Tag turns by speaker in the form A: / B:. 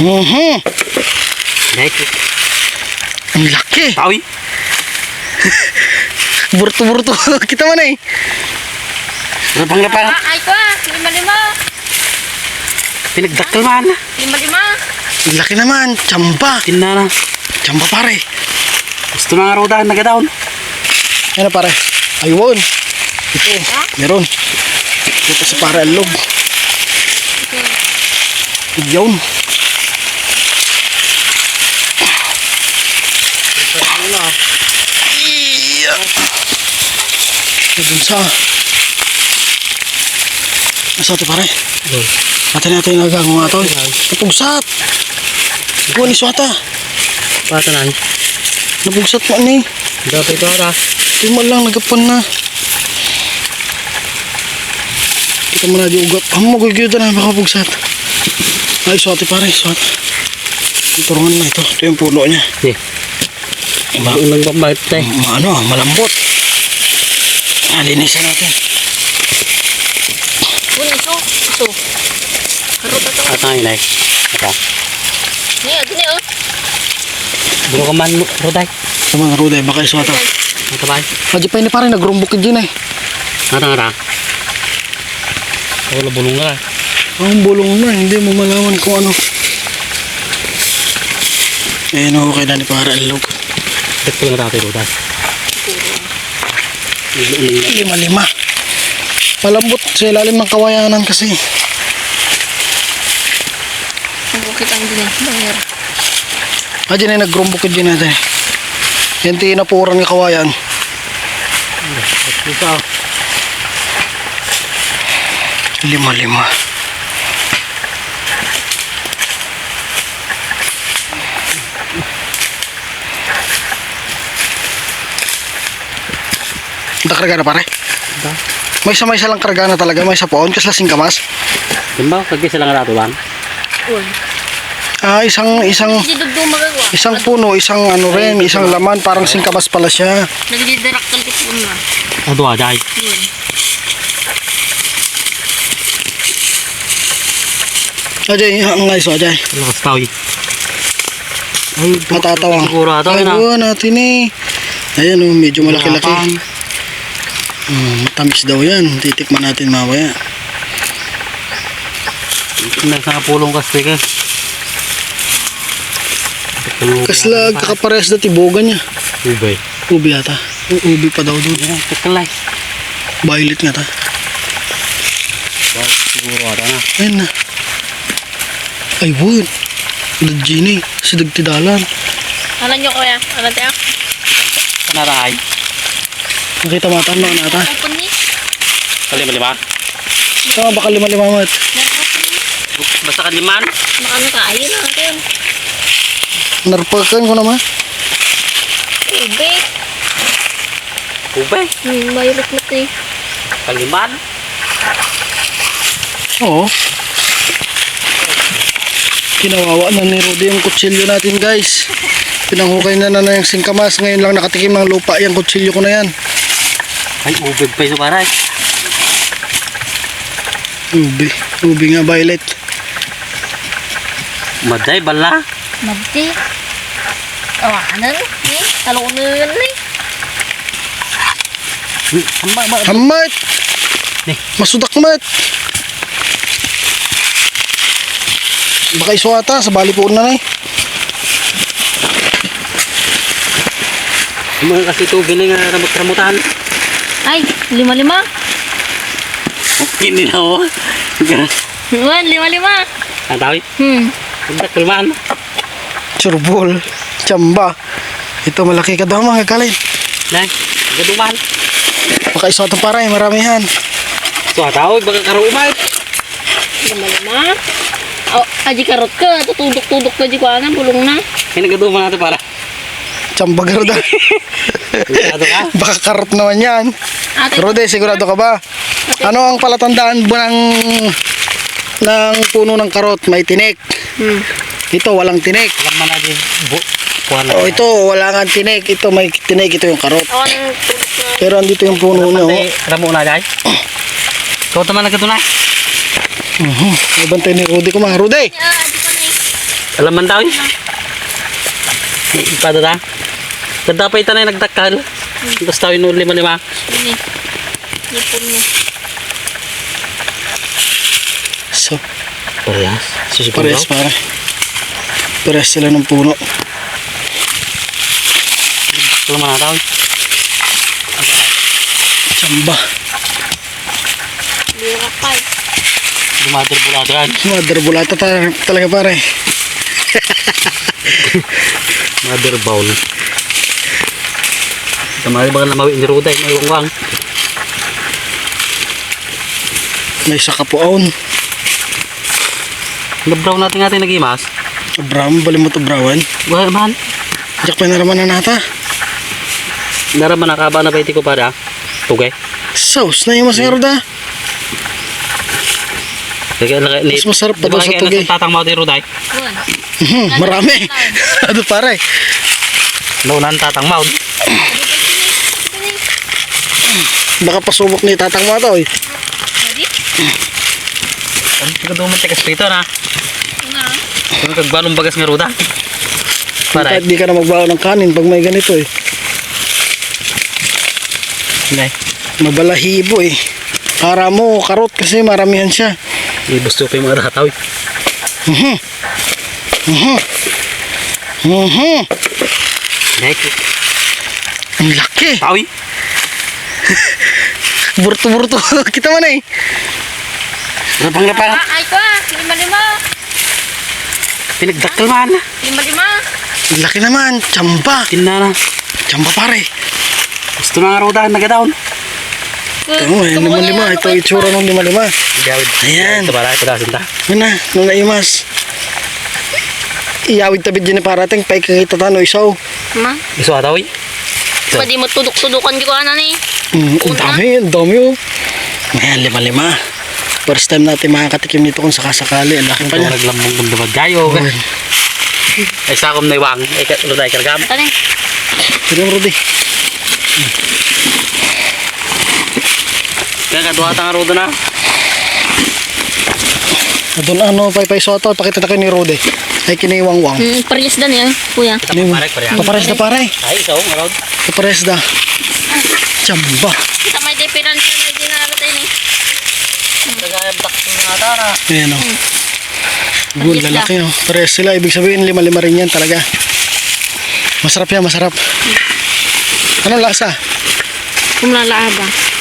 A: Dahil.
B: Ang laki.
A: Tawi.
B: Burto-burto. Kita mo na eh.
A: Lapang-lapang.
C: Ay ko ah, 5-5.
A: Pinagdaktal man.
C: 5-5.
B: Ang laki naman. Tsamba.
A: Tinna na.
B: Tsamba pare.
A: Gusto na nga raw dahil nagadaon.
B: Ano pare? Ayun. Ito. Meron. Ito sa pare alog. Yun. Iya. Nabunsa. Nasa ito pare. Natin natin yung nagago nga ito. Napugsat. Ikaw ni Swata.
A: Pata na.
B: Napugsat mo ni.
A: Dapat ito ara.
B: Ito mo lang nagapan na. Kita mo na di ugat. Ang magagyo na baka pugsat. Ay Swati pare. Swati. Turungan na ito. Ito yung puno niya.
A: Ulang pambait tayo.
B: Ano, malambot. Linisan natin.
C: Ito. Karot ito.
A: At ang inay. Ito.
C: Gini oh.
A: Buro ka man, Roday.
B: Sa mga ruday, baka iswata.
A: Ito ba?
B: Hadya pa ini pare, nagrumbok din eh.
A: Ngata. Wala bulong nga.
B: Ang bulong na, hindi mo malaman kung ano. Ayan o, okay na ni para alog.
A: Ito nga natin, Roday.
B: 5-5. Malambot sa ilalim ng kawayanan kasi.
C: Ang bukit ang gini. Bangir.
B: Hadya na nagrumbok din natin. Yan tinapuran ng kawayan.
A: Ito.
B: 5-5. Karga na pare? May isa lang karga na talaga, may isa poon kasi lasing kamas.
A: Diba? Kagi sila nga nato lang.
B: Isang puno, isang ano rin, isang laman, parang singkamas pala siya.
C: Nagdidiraktal ko po na.
A: Ado ajay.
C: Yun.
B: Ajay, ang nga iso, Ajay.
A: Lakas tawi. Ay,
B: Matatawang.
A: siguro ato na.
B: Ay, natin eh. Ayan o, medyo malaki-laki. Matamis daw yan. Titikman natin mamaya.
A: Nasa pulong kasi ka.
B: Kaslag, kakaparehas na tibogan niya.
A: Ubay.
B: Ubi ata. Ubi pa daw doon.
A: Tekalay.
B: Violet nga ta.
A: Siguro ato na.
B: Ayan na. Ay, wood. Gini, si Dagtidalan.
C: Alam nyo kuya? Alam tayo?
A: Kanaray.
B: Nakita matan na nata.
C: Open ni?
A: Kalima-lima.
B: Saka baka 5-5 mat.
A: Basta kaliman.
C: Makano ka? Ayun na natin.
B: Narpakan ko naman.
C: Ube.
A: Ubay.
C: Mayulot-lot eh.
A: Kaliman.
B: Oo. Kinawawa na ni Rudy yung kutsilyo natin guys. Pinanghukay na yung singkamas. Ngayon lang nakatikim ng lupa yung kutsilyo ko na yan.
A: Ay, ubay pa yung paray.
B: Ubi nga Violet.
A: Maday, bala.
C: Magdi. Awanan. Talong na yun eh.
B: Hamat!
A: Nih.
B: Masudak mat! Baka iswata sa bali po na eh.
A: Mga kasi ito giling ramot-ramutan.
C: Ay, 5-5.
A: Hindi na ako.
C: 5-5.
A: Ang tawi? Ang kaliman.
B: Surbol. Tsamba. Ito malaki ka daw mga kalin.
A: Nay, gaduman.
B: Baka iswata para eh, maramihan.
A: So, tawag, baka karumay.
C: 5-5. Oh, aji karot ka. Tutudok-tudok ka di ko anan. Bulong na.
A: Ay, nagaduman natin para.
B: Tsamba garuda.
A: Sigurado ka?
B: Baka karot naman yan. Rudy, sigurado ka ba? Ano ang palatandaan mo ng puno ng karot? May tinik. Ito, walang tinik.
A: Alam mo na din.
B: Oh, ito, wala nga tinik. Ito, may tinik. Ito yung karot.
C: Ako nang tulog na.
B: Pero andito yung puno niya.
A: Alam mo na, Jai. Ikaw naman nagkatunay.
B: Ibantay ni Rudy ko mga. Rudy!
C: Aji ko na eh.
A: Alam man tayo. Pada ta. Kadapay tanay nagdakal. Tapos tayo no lima-lima.
C: Ini. Ipon niya.
B: So,
A: Parehas. Susipin
B: parehas
A: daw.
B: pare. Parehas sila ng puno.
A: Alam man na tayo.
B: Tsamba.
C: Birak pa.
A: Dumader bulado yan.
B: Mother bulata talaga pare.
A: Mother bowl. Tamari ba na mawi ni Ruday? May wangwang.
B: May sakapuon.
A: Nabraw natin nagimas.
B: Abram, bali mo to brawan.
A: Wala naman.
B: Jak pa naraman na nata.
A: Naraman nakaba na ba iti ko para? Tugay.
B: Sauce na yung masarap da. Mas masarap pa daw sa tugay.
A: Tatang mo ni Ruday.
C: Buwan.
B: Marami. Ano pare?
A: Naunan tatang mo.
B: Baka pasubok ni tatang mo to eh.
C: Ready?
A: Ano ka duman tikas prito na?
C: Nga.
A: Kung kagbalong bagas nga Ruda. Para.
B: Kahit di ka na magbawa ng kanin pag may ganito eh.
A: Hindi.
B: Mabalahibo eh. Para mo, karot kasi maramihan siya.
A: Ibusto ko yung mga rataw. Next.
B: Ang laki.
A: Tawi.
B: Burto-burto. Kita man eh.
A: Rapang-rapang.
C: Ay ko ah. Lima-lima.
A: Pinagdakal man.
C: Lima-lima.
B: Ang laki naman. Tsamba.
A: Tinna na.
B: Tsamba pare.
A: Gusto na nga Ruda. Nagadaon.
B: Ito mo eh. Lima-lima. Ito itsura ng lima-lima.
A: Gawid.
B: Ayan.
A: Ito para. Ito dasin ta.
B: Ano na. Nung naimas. Iyawid tabid dyan ni parating. Pay kakita tano isaw.
C: Ma.
A: Gusto ka tawi?
C: Pwede mo tudok-tudukan di ko ana ni.
B: Ang dami. Ang dami oh. Ayan, lima-lima. First time natin makakatikim nito kung sakasakali. Ang laki pa
A: Ito
B: niya.
A: naglambong gundabad. Gayo. Ay sakom na iwang. Ay Ruday kargam.
C: Tani.
B: Tignan mo, Rudy.
A: Kaya katuwa nga Ruda na.
B: Doon ano, pay soto. Pakita tayo ni Rudy. Ay kiniwang-wang.
C: Pares dan ya, kuya.
A: Parek parek.
B: Papares na pare.
A: Ay isaw nga Rod.
B: Papares na. Tsamba.
C: Kita may diferensya na dinalo tayo ni.
A: Kagayang takto nga tara.
B: Ayan o. Good,
C: Pares
B: lalaki o. Pares sila. Ibig sabihin, lima-lima rin yan talaga. Masarap yan, masarap. Anong lasa?
C: Kumlalaaba.